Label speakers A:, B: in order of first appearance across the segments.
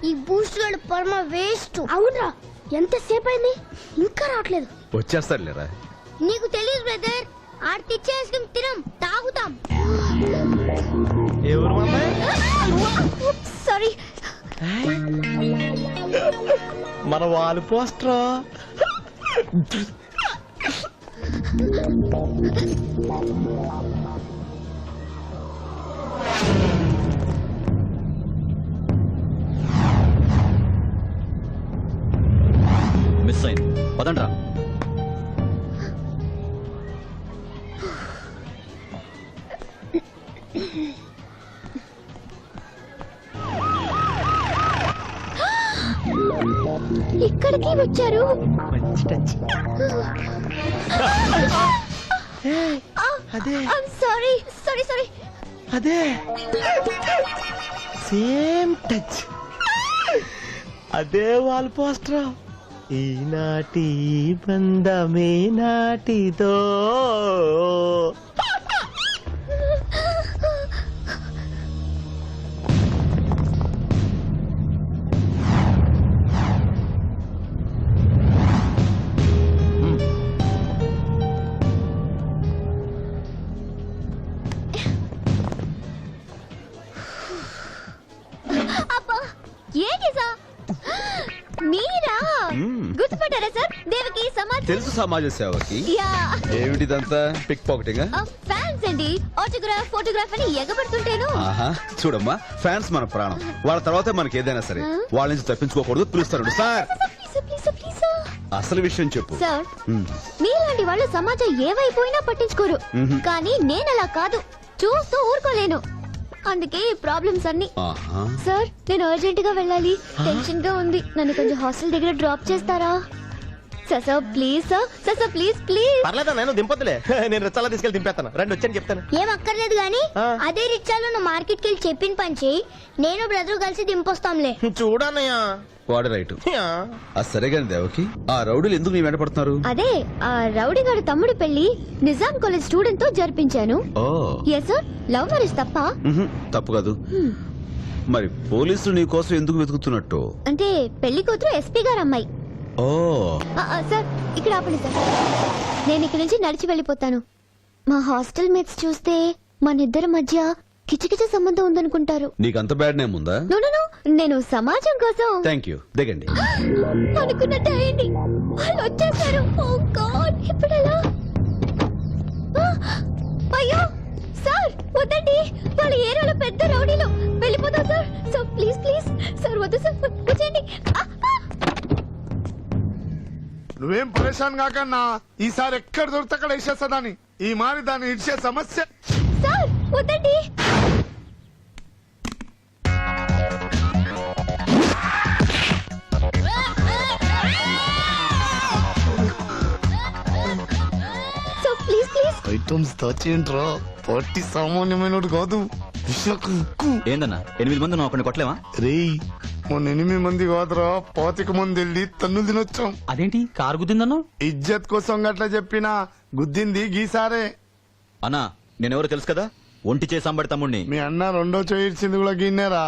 A: ఈ బూస్ట్ గడు పరమ వేస్ట్. అవునరా, ఎంతసేపు అయింది ఇంకా రావట్లేదు.
B: వచ్చేస్తాడులేరా.
A: నీకు తెలియదు బ్రదర్, ఆడ తెచ్చే ఐస్ క్రీమ్ తినం, తాగుతాం. సారీ.
C: మన వాళ్ళు పోస్టరా.
D: మిస్ అయింది, పదండ్రా.
A: ఇక్కడికి వచ్చారు.
C: మంచి టచ్. అదే
A: సారీ సారీ సారీ.
C: అదే సేమ్ టచ్. అదే వాల్ పోస్టరా. ఈనాటి బంధమే నాటిదో.
A: మీరా గుర్తుపట్టారా సార్? దేవకి సమాజ్
B: తెలుసు, సమాజ సేవకి. ఏమిటిదంతా? Pickpocketing?
A: ఫ్యాన్స్ అండి, ఆటోగ్రాఫ్ ఫోటోగ్రాఫ్ అని ఎగబడుతుంటేను.
B: ఆహా, చూడమ్మా, ఫ్యాన్స్ మన ప్రాణం. వాళ్ళ తర్వాతే మనకి ఏదైనా సరే. వాళ్ళ నుంచి తప్పించుకోకూడదు. పిలుస్తాడు సార్. అసలు విషయం చెప్పు
A: సార్. మీలాంటి వాళ్ళు సమాజం ఏవైపోయినా పట్టించుకోరు, కానీ నేను అలా కాదు, చూస్తూ ఊరుకోలేను. అందుకే ప్రాబ్లమ్స్ అన్ని. సార్, నేను అర్జెంట్ గా వెళ్ళాలి, టెన్షన్ గా ఉంది. నన్ను కొంచెం హాస్టల్ దగ్గర డ్రాప్ చేస్తారా? Sir please sir, sir please please.
C: పర్లేదా, నేను దింపొద్దులే. నేను రిచ్చాలో తీసుకెళ్ళి దింపేస్తాను. రండి వచ్చాను చెప్తాను.
A: ఏం అక్కర్లేదు గానీ అదే రిచ్చాలో నువ్వు మార్కెట్ కి వెళ్ళి చెప్పిన పని చేయి, నేను బ్రదర్ కలిసి దింపొస్తాంలే.
C: చూడన్నయ్యా.
B: వాడు రైట్. సరే గాని దేవకి, ఆ రౌడీలు ఎందుకు నీ వెంట పడుతున్నారు?
A: అదే ఆ రౌడీ గారి తమ్ముడు పెళ్లి నిజాం కాలేజ్ స్టూడెంట్ తో జరిపించాను. Yes sir. లవ్ మ్యారేజ్ తప్ప?
B: తప్పు కాదు. మరి పోలీసులు నీ కోసం ఎందుకు వెతుకుతున్నట్టు?
A: అంటే పెళ్లి కూతురు ఎస్పీ గారు అమ్మాయి.
B: ఓ
A: సార్, ఇక్కడ ఆపండి సార్. నేను ఇక్కడ నుంచి నడిచి వెళ్ళిపోతాను. మా హాస్టల్ మేట్స్ చూస్తే మన ఇద్దరి మధ్య కిచకిచ సంబంధం ఉందనుకుంటారు.
B: నీకంత బ్యాడ్ నేమ్ ఉందా?
A: నేను సమాజం కోసం.
B: థ్యాంక్ యూ, దిగండి.
A: అనుకున్నట్టు అయ్యింది, వాళ్ళు వచ్చేసారు. ఓ గాడ్, ఇప్పుడు ఎలా? అయ్యో సార్, వద్దండి, వాళ్ళ ఏరియాలో పెద్ద రౌడీలు. వెళ్ళిపోతాం sir. Sir please please sir, వద్దు సార్, వచ్చేయండి.
E: నువ్వేం పరేషాన్ కాకన్నా, ఈసారి ఎక్కడ దొరికితే అక్కడ వేసేస్తుందని. ఈ మారి దాన్ని ఇచ్చే సమస్య.
A: సార్ వద్దండి. Sir please please.
E: ఐటమ్స్ దాచేంట్రా, పార్టీ సామాన్యమైన కాదు.
D: ఏందన్నా 8 మంది నువ్వు ఒకరిని కొట్టలేవా?
E: రేయ్, మొన్న 8 మంది కాదురా, 25 మంది వెళ్ళి తన్నులు తినొచ్చాం.
D: అదేంటి కారు గుద్దిందన్నా?
E: ఇజ్జత్ కోసం గట్లా చెప్పినా గుద్దింది గీసారే.
D: అన్నా నేనెవరో తెలుసు కదా, ఒంటి చేసి అంబడి తమ్ముడిని.
E: మీ అన్న రెండో చేయించింది కూడా గిన్నెరా.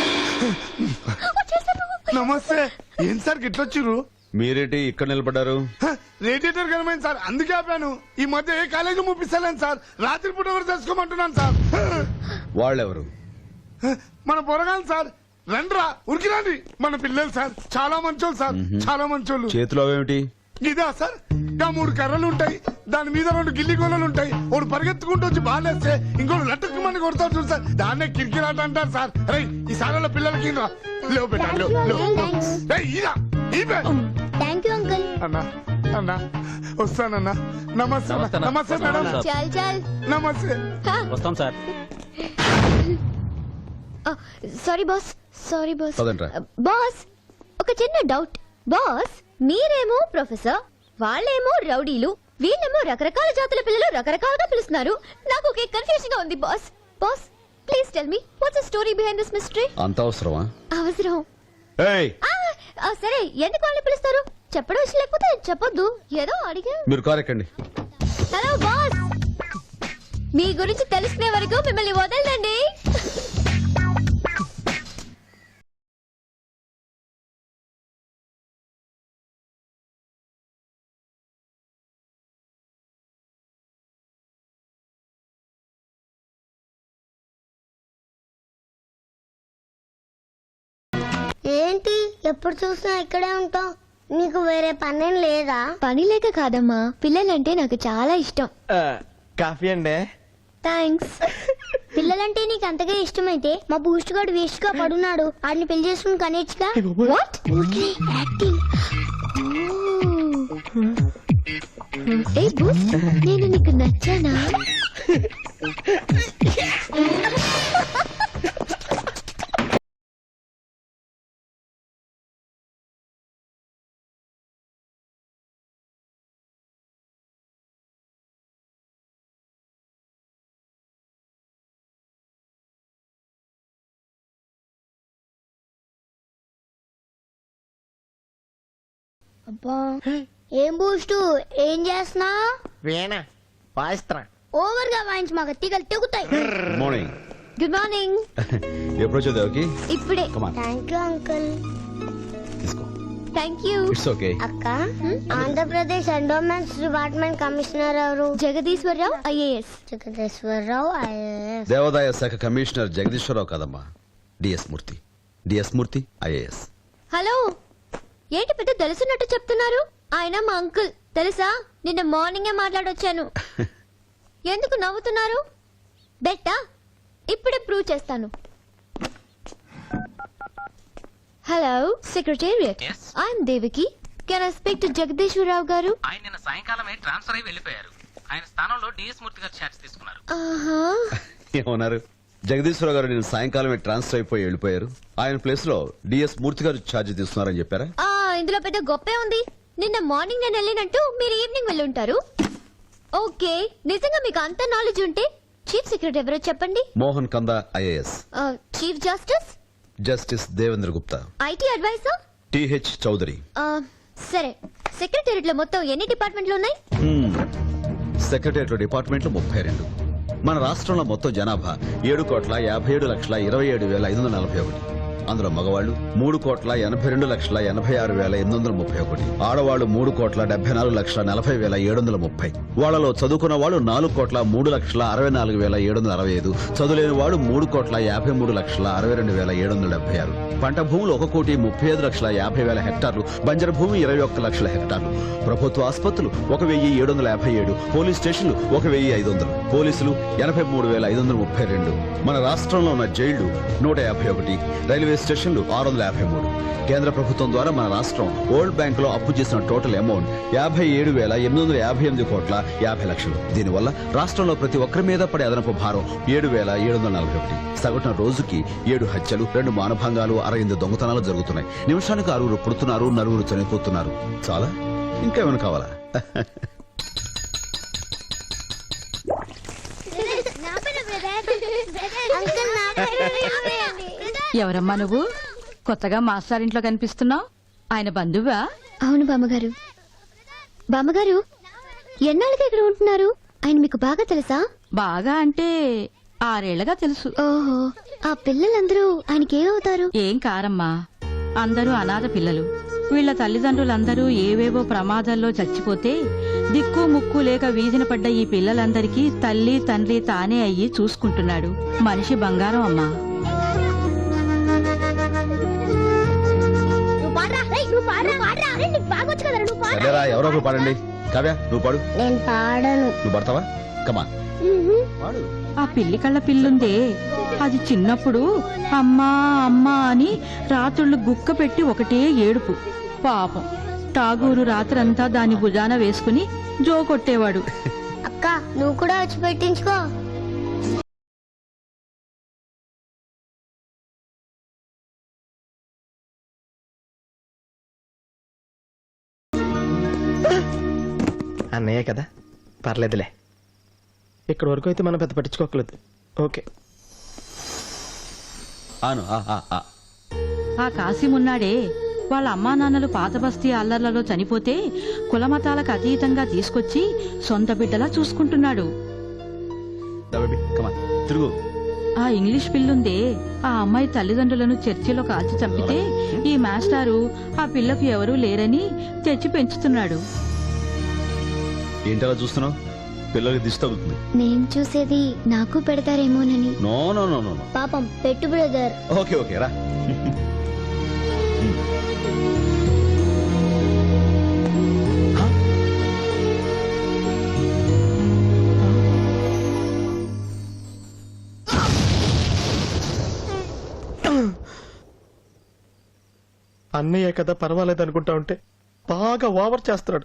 E: నమస్తే. ఏం సార్ గిట్లొచ్చిర్రు?
B: మీరేంటి ఇక్కడ నిలబడ్డారు?
E: రేడియేటర్ కనమైంది సార్, అందుకే ఆపాను. ఈ మధ్య ఏ కాలేజీ ముప్పిస్తలేను సార్, రాత్రిపూట ఎవరు తెలుసుకోమంటున్నాను సార్.
B: వాళ్ళెవరు?
E: మన పొరగాలి సార్. రండ్రా, ఉరికి రండి. మన పిల్లలు సార్, చాలా మంచోళ్ళు సార్, చాలా మంచోళ్ళు.
B: చేతిలో ఏమిటి?
E: ఇదా సార్, ఇంకా 3 కర్రలు ఉంటాయి, దాని మీద 2 గిల్లి గోళలు ఉంటాయి. ఒకడు పరిగెత్తుకుంటూ వచ్చి బాలేస్తే ఇంకోటి లట్టుకు మంది కొడతారు చూడు సార్, దాన్నే కిరికిరాట అంటారు సార్. రై, ఈ సార్ల పిల్లలకి రా, లేవు పెట్టాలి.
A: Thank you uncle.
E: అన్నా అన్నా వస్తానన్నా. నమస్తే నమస్తే మేడం.
A: చల్ చల్.
E: నమస్తే.
D: వస్తాం sir.
A: Sorry boss, sorry boss.
B: పదండ్రా.
A: బాస్, ఒక చిన్న డౌట్. బాస్, మీరేమో ప్రొఫెసర్, వాళ్ళేమో రౌడీలు, వీళ్ళేమో రకరకాల జాతుల పిల్లలు రకరకాలుగా పిలుస్తున్నారు. నాకు ఒకే కన్ఫ్యూజన్ గా ఉంది boss. Boss please tell me what's the story behind this mystery?
B: అంత అవసరమా?
A: అవసరం.
B: ఏయ్,
A: సరే, ఎందుకు వాళ్ళని పిలుస్తారు? చెప్పడం ఇష్టం లేకపోతే చెప్పొద్దు, ఏదో అడిగా.
B: మీరు కారు ఎక్కండి.
A: హలో బాస్, మీ గురించి తెలుసుకునే వరకు మిమ్మల్ని వదలండి.
F: ఏంటి ఎప్పుడు చూసినా ఇక్కడే ఉంటావు? నీకు వేరే పనేం లేదా?
A: పని లేక కాదమ్మా, పిల్లలంటే నాకు చాలా ఇష్టం.
C: కాఫీ అండి.
A: థ్యాంక్స్.
F: పిల్లలంటే నీకు అంతగా ఇష్టమైతే మా బూస్ట్ గాడు వేస్ట్ గా పడున్నాడు, ఆడిని పెళ్లి చేసుకుని కనేచ్చుగా.
A: వాట్?
F: యాక్టింగ్.
A: ఏ బూస్ట్, నేను నీకు నచ్చానా?
F: అబ్బా ఏం బూస్ట్, ఏం చేస్తున్నా?
C: వీణ వాయిస్త్రా.
F: ఓవర్ గా వాయించి మాకు తీగలు తెగుతాయి.
B: Good morning.
A: Good morning.
B: ఎప్పుడు వచ్చావు దేవకి?
A: ఇప్పుడే.
B: Come on
F: thank you uncle.
B: తీసుకో.
A: Thank you.
B: It's okay.
F: అక్క, ఆంధ్రప్రదేశ్ ఎండోమెంట్స్ డిపార్ట్మెంట్ కమిషనర్ ఎవరు?
A: జగదీశ్వరరావు ఐఏఎస్.
F: జగదీశ్వరరావు IAS.
B: దేవాదాయ శాఖ కమిషనర్ జగదీశ్వరరావు కాదమ్మా, DS Murthy. DS Murthy IAS.
A: Hello, ఏంటి పెద్ద తెలుసున్నట్టు చెప్తున్నారు? ఆయన మా అంకుల్ తెలుసా? నిన్న మార్నింగే మాట్లాడొచ్చాను. ఎందుకు నవ్వుతున్నారు? బెట్టా ఇప్పుడే ప్రూవ్ చేస్తాను. Hello secretariat, I'm Devaki. Can I speak to Jagadeeswararao garu?
G: ఆయన నిన్న సాయంకాలమే ట్రాన్స్ఫర్ అయి వెళ్ళిపోయారు. ఆయన స్థానంలో డిఎస్ మూర్తి గారు ఛార్జ్ తీసుకున్నారు.
A: ఆహా.
B: ఏమన్నారు? జగదీశ్వరరావు గారు నేను సాయంకాలమే ట్రాన్స్ఫర్ అయిపోయి వెళ్ళిపోయారు. ఆయన ప్లేస్ లో డిఎస్ మూర్తి గారు ఛార్జ్ తీసుకున్నారని చెప్పారా?
A: ఇందులో పెద్ద గొప్పే ఉంది. నిన్న మార్నింగ్ నేను వెళ్ళినట్టు మీరు ఈవినింగ్ వెళ్ళి ఉంటారు. ఓకే, నిజంగా మీకు అంత నాలెడ్జ్ ఉంటే చీఫ్ సెక్రటరీ ఎవరో చెప్పండి.
B: Mohan Kanda IAS.
A: Chief justice?
B: Justice Devendra Gupta.
A: IT advisor?
B: TH Chowdary.
A: సరే, సెక్రటేరియట్ లో మొత్తం ఎన్ని డిపార్ట్మెంట్లు ఉన్నాయి?
B: సెక్రటేరియట్ డిపార్ట్మెంట్లు 32. మన రాష్ట్రంలో మొత్తం జనాభా 7,57,27,541. అందులో మగవాళ్లు 3,82,86,831. ఆడవాళ్లు 3,74,40,730. వాళ్లలో చదువుకున్న వాళ్ళు 4,03,64,765. చదువులేని వాడు 3,53,62,776. పంట భూములు 1,35,50,000 హెక్టార్లు. బంజరు భూమి 21 లక్షల హెక్టార్లు. ప్రభుత్వ ఆసుపత్రులు 1,757. పోలీస్ స్టేషన్లు 1,500. పోలీసులు 83,532. మన రాష్ట్రంలో ఉన్న జైళ్లు 151. రైల్వే స్టేషన్లు 653. కేంద్ర ప్రభుత్వం ద్వారా మన రాష్ట్రం వరల్డ్ బ్యాంక్ లో అప్పు చేసిన టోటల్ అమౌంట్ 57,858,50,00,000. దీనివల్ల రాష్ట్రంలో ప్రతి ఒక్కరి మీద పడే అదనపు భారం 7,741. సగటున రోజుకి 7 హత్యలు, 2 మానభంగాలు, 68 దొంగతనాలు జరుగుతున్నాయి. నిమిషానికి 6 పుడుతున్నారు, 4 చనిపోతున్నారు. చాలా? ఇంకేమైనా కావాలా?
H: ఎవరమ్మా నువ్వు? కొత్తగా మాస్టారింట్లో కనిపిస్తున్నావు. ఆయన బంధువా?
A: అవును బామ్మగారు. బామ్మగారు, ఎన్నాళ్ళకి ఇక్కడ ఉంటున్నారు? ఆయన మీకు బాగా తెలుసా?
H: బాగా అంటే 6 ఏళ్లగా తెలుసు.
A: ఓహో, ఆ పిల్లలందరూ ఆయనకి ఏమవుతారు?
H: ఏం కారమ్మా, అందరూ అనాథ పిల్లలు. వీళ్ల తల్లిదండ్రులందరూ ఏవేవో ప్రమాదాల్లో చచ్చిపోతే దిక్కు ముక్కు లేక వీధిన పడ్డ ఈ పిల్లలందరికీ తల్లి తండ్రి తానే అయ్యి చూసుకుంటున్నాడు. మనిషి బంగారం అమ్మా.
B: సరేరా, ఎవరో ఒకరు పాడండి. కావ్య, నువ్వు పాడు.
F: నేను పాడను.
B: నువ్వు పడతావా? కమా పాడు.
H: ఆ పిల్లి కళ్ళ పిల్లుందే, అది చిన్నప్పుడు అమ్మా అమ్మా అని రాత్రుళ్ళు గుక్క పెట్టి ఒకటే ఏడుపు. పాపం టాగూరు రాత్రంతా దాని భుజాన వేసుకుని జో కొట్టేవాడు.
F: అక్క, నువ్వు కూడా వచ్చి పెట్టించుకో.
C: అన్నయ్య కదా, పర్లేదులే. ఇక్కడ వరకు అయితే మనం పెద్ద పట్టించుకోకలేదు. ఓకే.
B: ఆను
H: ఆ కాసిమున్నాడే, వాళ్ళ అమ్మా నాన్నలు పాత బస్తీ అల్లర్లలో చనిపోతే కులమతాలకు అతీతంగా తీసుకొచ్చి సొంత బిడ్డలా చూసుకుంటున్నాడు.
B: తిరుగు.
H: ఆ ఇంగ్లీష్ పిల్లుందే, ఆ అమ్మాయి తల్లిదండ్రులను చర్చిలో కాల్చి చంపితే ఈ మాస్టారు ఆ పిల్లకు ఎవరూ లేరని తెచ్చి పెంచుతున్నాడు.
B: ఏంటలా చూస్తున్నావు? పిల్లలకి దిష్టి తగ్గుతుంది.
A: నేను చూసేది నాకు పెడతారేమోనని.
B: No no no no.
F: పాపం పెట్టు బ్రదర్.
B: ఓకే ఓకే రా.
C: అన్నయ్య కదా పర్వాలేదు అనుకుంటా ఉంటే బాగా ఓవర్ చేస్తున్నాడు.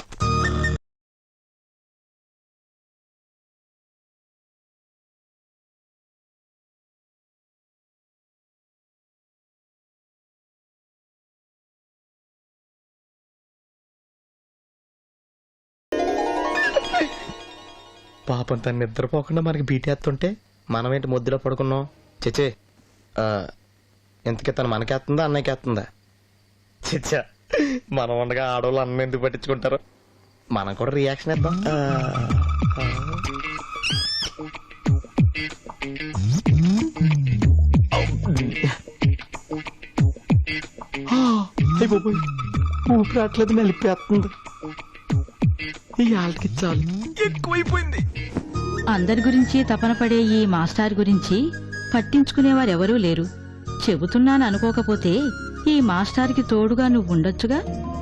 C: పాపం తను నిద్రపోకుండా మనకి బీటేస్తుంటే మనమేంటి ముద్దులో పడుకున్నాం. చచ్చే ఇంతకీ తను మనకేస్తుందా అన్నయ్యకేస్తుందా? చిచ్చా మనం ఉండగా ఆడవాళ్ళు అన్న ఎందుకు పట్టించుకుంటారు? మనం కూడా రియాక్షన్ ఇద్దాం. ఊపిరాట్లేదు, మెలిపేస్తుంది. ఈ ఆళ్ళకి చాలు ఎక్కువైపోయింది.
H: అందరి గురించి తపన పడే ఈ మాస్టర్ గురించి పట్టించుకునేవారెవరూ లేరు. చెబుతున్నాను అనుకోకపోతే ఈ మాస్టార్కి తోడుగా నువ్వు ఉండొచ్చుగా.